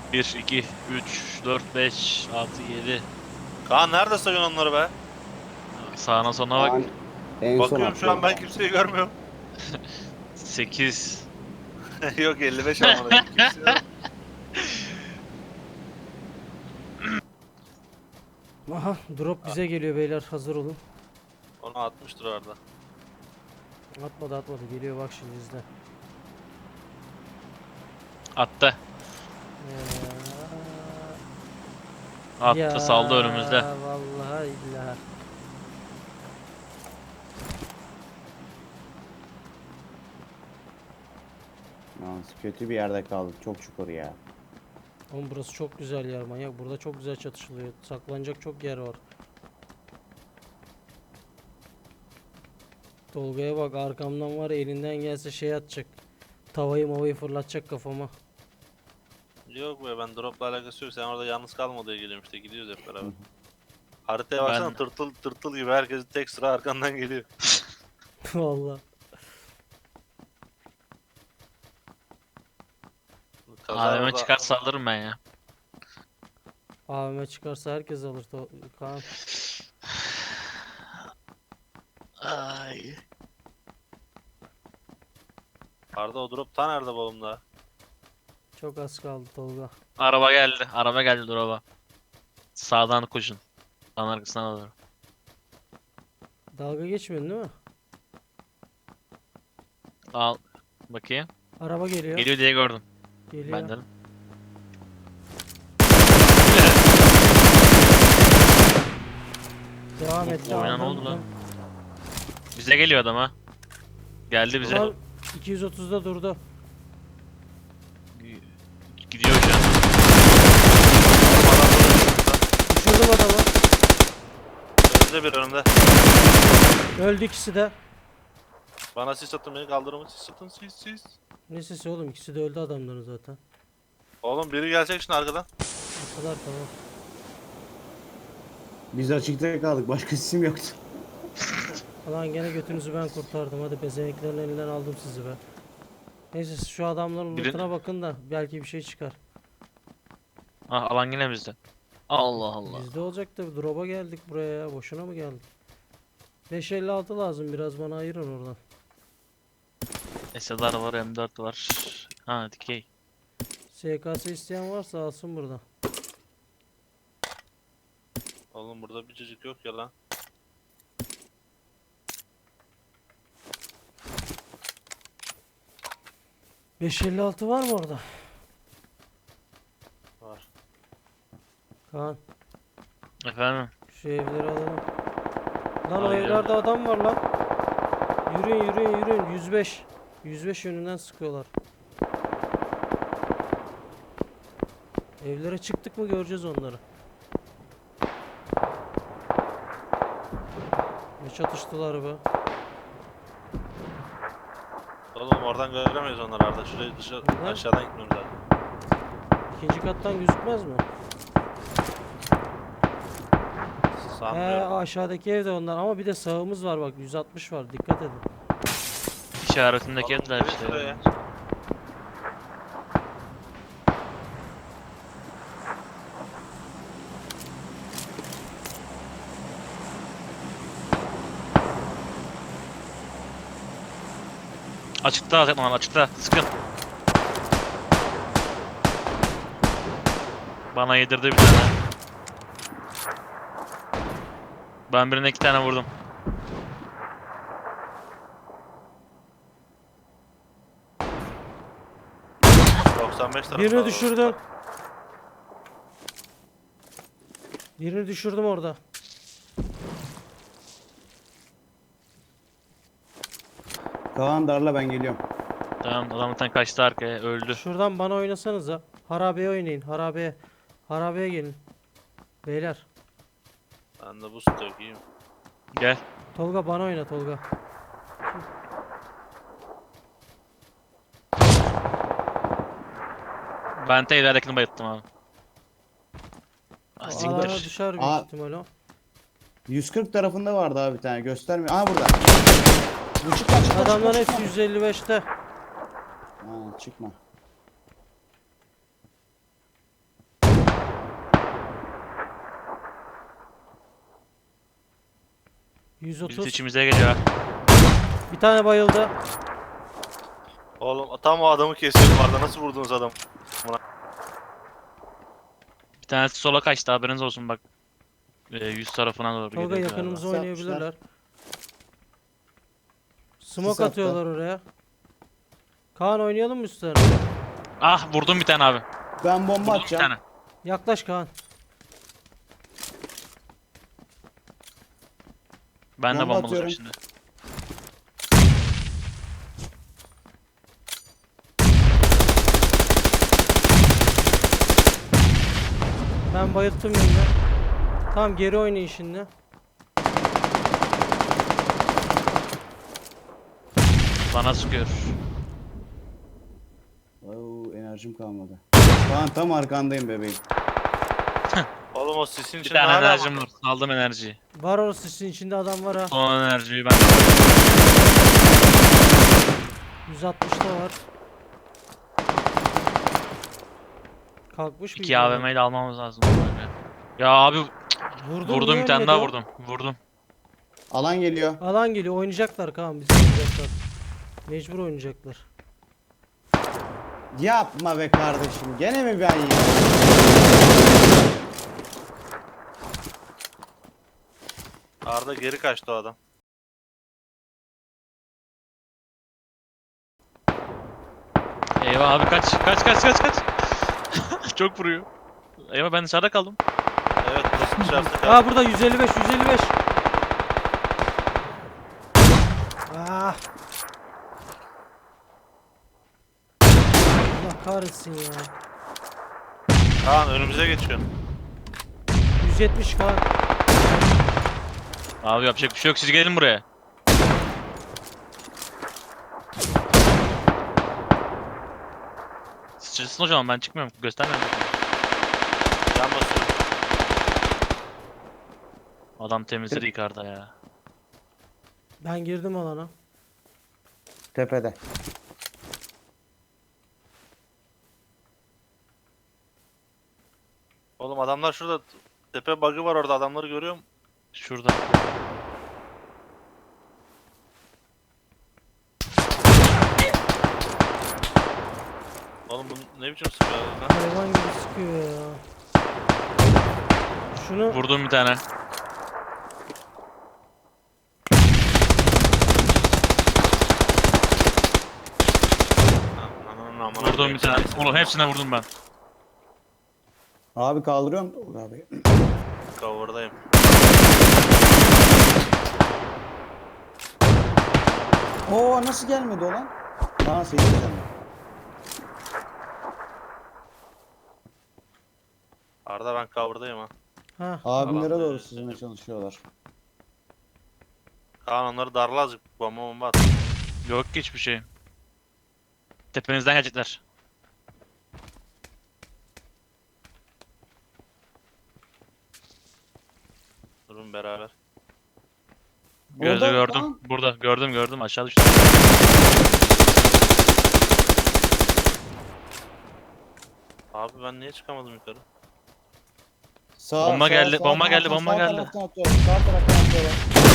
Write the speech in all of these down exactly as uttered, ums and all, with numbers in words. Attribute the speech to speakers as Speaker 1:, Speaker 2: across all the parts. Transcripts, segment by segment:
Speaker 1: bir, iki, üç, dört, beş, altı, yedi.
Speaker 2: Kaan nerede sayıyorsun onları be?
Speaker 1: Sağına soluna bak.
Speaker 3: Kaan en son
Speaker 2: Bakıyorum şu an
Speaker 3: attı.
Speaker 2: ben kimseyi görmüyorum.
Speaker 1: sekiz.
Speaker 2: Yok elli beş amına kimse yok.
Speaker 4: Aha drop bize geliyor beyler, hazır olun.
Speaker 2: Onu atmıştır orada.
Speaker 4: Atmadı atmadı, geliyor bak şimdi izle.
Speaker 1: Attı.
Speaker 4: Ee,
Speaker 1: Attı, saldı önümüzde.
Speaker 4: Vallahi billahi.
Speaker 3: Yalnız kötü bir yerde kaldık. Çok çukur ya.
Speaker 4: Oğlum burası çok güzel yer manyak. Burada çok güzel çatışılıyor. Saklanacak çok yer var. Tolga'ya bak, arkamdan var ya, elinden gelse şey atacak. Tavayı mavayı fırlatacak kafama.
Speaker 2: Yok be ben dropla alakası yok. Sen orada yalnız kalma diye geliyorum işte. Gidiyoruz hep beraber. Haritaya baksana
Speaker 1: Ben-
Speaker 2: tırtıl tırtıl gibi herkes tek sıra arkandan geliyor.
Speaker 4: Vallahi.
Speaker 2: Kaza
Speaker 1: A V M
Speaker 2: orada-
Speaker 1: çıkar saldırırım ben ya.
Speaker 4: A V M çıkarsa herkes alır. To- Kaan.
Speaker 1: Ay.
Speaker 2: Arda o drop ta nerede balımda?
Speaker 4: Çok az kaldı Tolga.
Speaker 1: Araba geldi. Araba geldi duraba. Sağdan koşun. Sağın arkasına doğru.
Speaker 4: Dalga geçmiyorsun değil mi?
Speaker 1: Al. Bakayım.
Speaker 4: Araba geliyor.
Speaker 1: Geliyor diye gördüm.
Speaker 4: Geliyor.
Speaker 1: Ben dedim.
Speaker 4: Devam et.
Speaker 1: Bu oyuna ne
Speaker 4: devam
Speaker 1: oldu
Speaker 4: et.
Speaker 1: lan? Bize geliyor adam ha. Geldi bize.
Speaker 4: Ulan iki yüz otuzda durdu.
Speaker 1: Gidiyor şu an.
Speaker 4: Düşürdüm adamı.
Speaker 2: Önümde bir önümde.
Speaker 4: Öldü ikisi de.
Speaker 2: Bana sis atın beni kaldırımı sis atın sis sis.
Speaker 4: Ne sesi oğlum, ikisi de öldü adamların zaten.
Speaker 2: Oğlum biri gelecek şimdi arkadan.
Speaker 4: O kadar tamam.
Speaker 3: Biz açıkta kaldık. Başka isim yoktu.
Speaker 4: Ulan gene götünüzü ben kurtardım. Hadi bezeneklerin elinden aldım sizi be. Neyse siz şu adamların
Speaker 1: Birin-
Speaker 4: lootuna bakın da belki bir şey çıkar.
Speaker 1: Ah, alan yine bizde. Allah Allah.
Speaker 4: Bizde olacak da drop'a geldik buraya ya. Boşuna mı geldik? beş elli altı lazım, biraz bana ayırın oradan.
Speaker 1: S L R var, M dört var. Ha, dikey.
Speaker 4: S K S isteyen varsa alsın burada.
Speaker 2: Oğlum burada bir cacık yok ya lan.
Speaker 4: beş elli altı var mı orada?
Speaker 2: Var.
Speaker 4: Kaan
Speaker 1: Efendim.
Speaker 4: şu evleri alalım. Lan o
Speaker 1: Hayır.
Speaker 4: evlerde adam var lan. Yürüyün yürüyün yürüyün. yüz beş. yüz beş yönünden sıkıyorlar. Evlere çıktık mı göreceğiz onları. Ne çatıştılar be.
Speaker 2: Oğlum oradan göremeyiz onları Arda. Şurayı dışarı
Speaker 4: Neden?
Speaker 2: aşağıdan gitmemiz lazım.
Speaker 4: İkinci kattan gözükmez mi? He,
Speaker 2: Sanmıyorum.
Speaker 4: aşağıdaki evde onlar ama bir de sağımız var bak, yüz altmış var, dikkat edin.
Speaker 1: İşaretindeki
Speaker 2: Oğlum,
Speaker 1: evler
Speaker 2: gelin
Speaker 1: işte.
Speaker 2: şuraya.
Speaker 1: Açıkta zaten lan, açıkta. Sıkın. Bana yedirdi bir tane. Ben birine iki tane vurdum.
Speaker 2: doksan beş tarafı
Speaker 4: Birini
Speaker 2: var
Speaker 4: düşürdüm.
Speaker 2: orada.
Speaker 4: Birini düşürdüm orada.
Speaker 3: Kaan darla, ben geliyorum.
Speaker 1: Tamam, adam zaten kaçtı arkaya, öldü.
Speaker 4: Şuradan bana oynasanıza. Harabeye oynayın, harabeye. Harabeye gelin. Beyler.
Speaker 2: Ben de bu stok iyiyim.
Speaker 1: Gel.
Speaker 4: Tolga bana oyna Tolga.
Speaker 1: Ben de evlerdekini bayılttım abi. Ah,
Speaker 4: O alana
Speaker 1: siktir.
Speaker 4: düşer büyük
Speaker 3: Aa.
Speaker 4: ihtimal o.
Speaker 3: yüz kırk tarafında vardı abi bir tane. Göstermiyor. Aa burada. Bu çıkma çıkma
Speaker 4: Adamlar
Speaker 3: çıkma,
Speaker 4: hepsi
Speaker 3: çıkma.
Speaker 4: yüz elli beşte.
Speaker 3: Ha, çıkma.
Speaker 4: yüz elli beşte.
Speaker 3: Ha, çıkma.
Speaker 1: Biz
Speaker 4: yüz otuz.
Speaker 1: içimize geliyor. ha.
Speaker 4: Bir tane bayıldı.
Speaker 2: Oğlum tam o adamı kesiyordum Arda. Nasıl vurdunuz adam?
Speaker 1: Bir tanesi sola kaçtı, haberiniz olsun bak. Ee, yüz tarafına doğru
Speaker 4: Tolga
Speaker 1: geliyor
Speaker 4: yakınımıza
Speaker 3: Nasıl
Speaker 4: oynayabilirler. Smoke
Speaker 3: Sis attı.
Speaker 4: atıyorlar oraya. Kaan oynayalım mı üstlerine?
Speaker 1: galiba. Ah, vurdum bir tane abi.
Speaker 3: Ben bomba
Speaker 1: Vurdum bir
Speaker 3: atacağım.
Speaker 1: tane.
Speaker 4: Yaklaş Kaan.
Speaker 1: Ben de
Speaker 3: Bomba
Speaker 1: bombalayacağım
Speaker 3: atıyorum.
Speaker 1: şimdi.
Speaker 4: Ben bayılttım yönünü. Tamam geri oynayın şimdi.
Speaker 1: Bana sıkıyor.
Speaker 3: Oo, enerjim kalmadı. Kaan tam arkandayım bebeğim.
Speaker 2: Oğlum o sisin
Speaker 1: Bir
Speaker 2: içinde
Speaker 1: tane
Speaker 2: hala
Speaker 1: enerjim var. Aldım enerjiyi.
Speaker 4: Var orası sizin içinde adam var ha.
Speaker 1: Son enerjiyi ben.
Speaker 4: yüz altmışta var. Kalkmış bir
Speaker 1: İki A V M'yi de almamız lazım. Ya abi
Speaker 4: Vurdum,
Speaker 1: vurdum,
Speaker 4: niye
Speaker 1: bir tane
Speaker 4: ölmedi
Speaker 1: daha
Speaker 4: o?
Speaker 1: vurdum. Vurdum.
Speaker 3: Alan geliyor.
Speaker 4: Alan geliyor oynayacaklar Kaan bizi oynayacaklar. Mecbur oynayacaklar.
Speaker 3: Yapma be kardeşim. Gene mi ben ya?
Speaker 2: Arda geri kaçtı o adam.
Speaker 1: Eyvah abi, kaç kaç kaç kaç kaç. Çok vuruyor. Eyvah, ben dışarıda kaldım.
Speaker 2: Evet burası dışarıda kaldı.
Speaker 4: Aa burada yüz elli beş yüz elli beş. Ah. Allah kahretsin ya.
Speaker 2: Kaan önümüze geçiyor.
Speaker 4: yüz yetmiş Kaan.
Speaker 1: Abi yapacak bir şey yok, siz gelin buraya. Siz çıksın o zaman, ben çıkmıyorum. Göstermiyorum.
Speaker 2: Can basıyorum.
Speaker 1: Adam temizledi yukarıda ya.
Speaker 4: Ben girdim alana.
Speaker 3: Tepede.
Speaker 2: Oğlum adamlar şurada. Tepe bug'ı var orada, adamları görüyorum.
Speaker 1: Şurada.
Speaker 2: Oğlum bu ne biçim sıkıyor lan?
Speaker 4: Hayvan gibi sıkıyor ya. Şunu
Speaker 1: Vurdum bir tane.
Speaker 2: Ananın amına
Speaker 1: Vurdum
Speaker 2: koyayım
Speaker 1: bir tane.
Speaker 2: seni.
Speaker 1: Oğlum hepsine vurdum ben.
Speaker 3: Abi kaldırıyorum. Dur abi.
Speaker 2: Cover'dayım.
Speaker 3: Oo nasıl gelmedi o lan? Aa sekiz tane.
Speaker 2: Arda ben cover'dayım ha.
Speaker 4: ha
Speaker 3: Abimlere
Speaker 2: Tamam,
Speaker 3: doğru
Speaker 2: evet,
Speaker 3: sızmaya
Speaker 2: evet.
Speaker 3: çalışıyorlar.
Speaker 2: Kaan onları darla azıcık, bomba bomba at.
Speaker 1: Yok ki hiçbir şey. Tepenizden gelecekler.
Speaker 2: Durun beraber.
Speaker 1: Gözü
Speaker 3: Orada,
Speaker 1: gördüm.
Speaker 3: tamam.
Speaker 1: Burada gördüm gördüm, aşağı düştü.
Speaker 2: Abi ben niye çıkamadım yukarı?
Speaker 3: Sağ,
Speaker 1: Bomba
Speaker 3: sağ,
Speaker 1: geldi,
Speaker 3: sağ
Speaker 1: bomba geldi,
Speaker 3: taraftan,
Speaker 1: bomba
Speaker 3: sağ
Speaker 1: geldi.
Speaker 3: taraftan atıyorlar, sağ taraftan atıyorlar.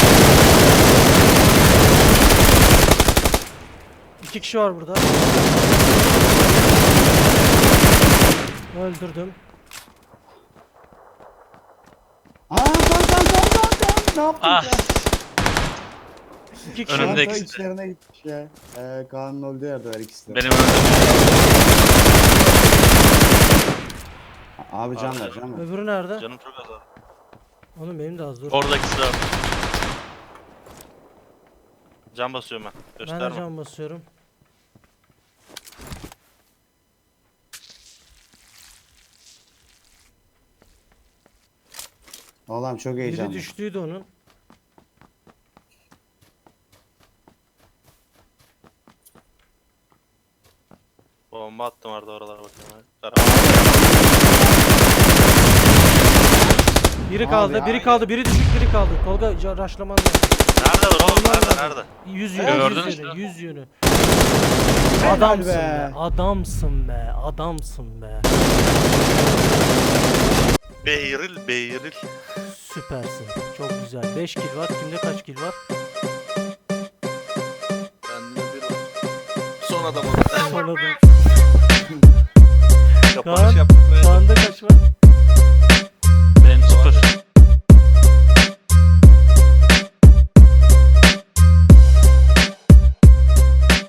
Speaker 4: iki kişi var burada. Öldürdüm.
Speaker 3: Aa kan kan kan kan kan. Ne yaptın
Speaker 1: Ah.
Speaker 3: sen?
Speaker 4: İki kişi
Speaker 1: Önümde
Speaker 4: var.
Speaker 3: Kanka
Speaker 1: ikisi de.
Speaker 3: içlerine gitmiş ya. Ee, Kaan'ın olduğu yerde var ikisi de.
Speaker 1: Benim önümde.
Speaker 3: Abi can ver can ver.
Speaker 4: Öbürü nerede?
Speaker 2: Canım çok az abi.
Speaker 4: Oğlum benim de az dur.
Speaker 1: Orada ikisi de var.
Speaker 2: Can basıyorum ben.
Speaker 4: Ben de
Speaker 2: Gösterme.
Speaker 4: can basıyorum.
Speaker 3: Allah'ım çok
Speaker 4: Biri
Speaker 3: heyecanlı.
Speaker 4: düştüydü onun.
Speaker 2: Bomba attım Arda oralara bakayım. Kara-
Speaker 4: Biri
Speaker 3: Abi,
Speaker 4: kaldı, biri
Speaker 3: abi.
Speaker 4: kaldı, biri düşük, biri kaldı. Tolga ca- raşlaman lazım.
Speaker 2: Nerede dur oğlum?
Speaker 4: Onlar
Speaker 2: Nerede?
Speaker 4: var.
Speaker 2: Nerede?
Speaker 4: Yüz yönü,
Speaker 1: Gördün
Speaker 4: yüz
Speaker 1: işte.
Speaker 4: yönü, yüz yönü.
Speaker 3: Helal
Speaker 4: Adamsın
Speaker 3: be.
Speaker 4: be. adamsın be, adamsın be.
Speaker 2: Beyril, Beyril.
Speaker 4: Süpersin. Çok güzel. beş kill var. Kimde kaç kill var?
Speaker 2: Kendine bir son adamı.
Speaker 4: Sonra da
Speaker 2: Kapanış yaptık ve
Speaker 4: Kaan'da kaç var?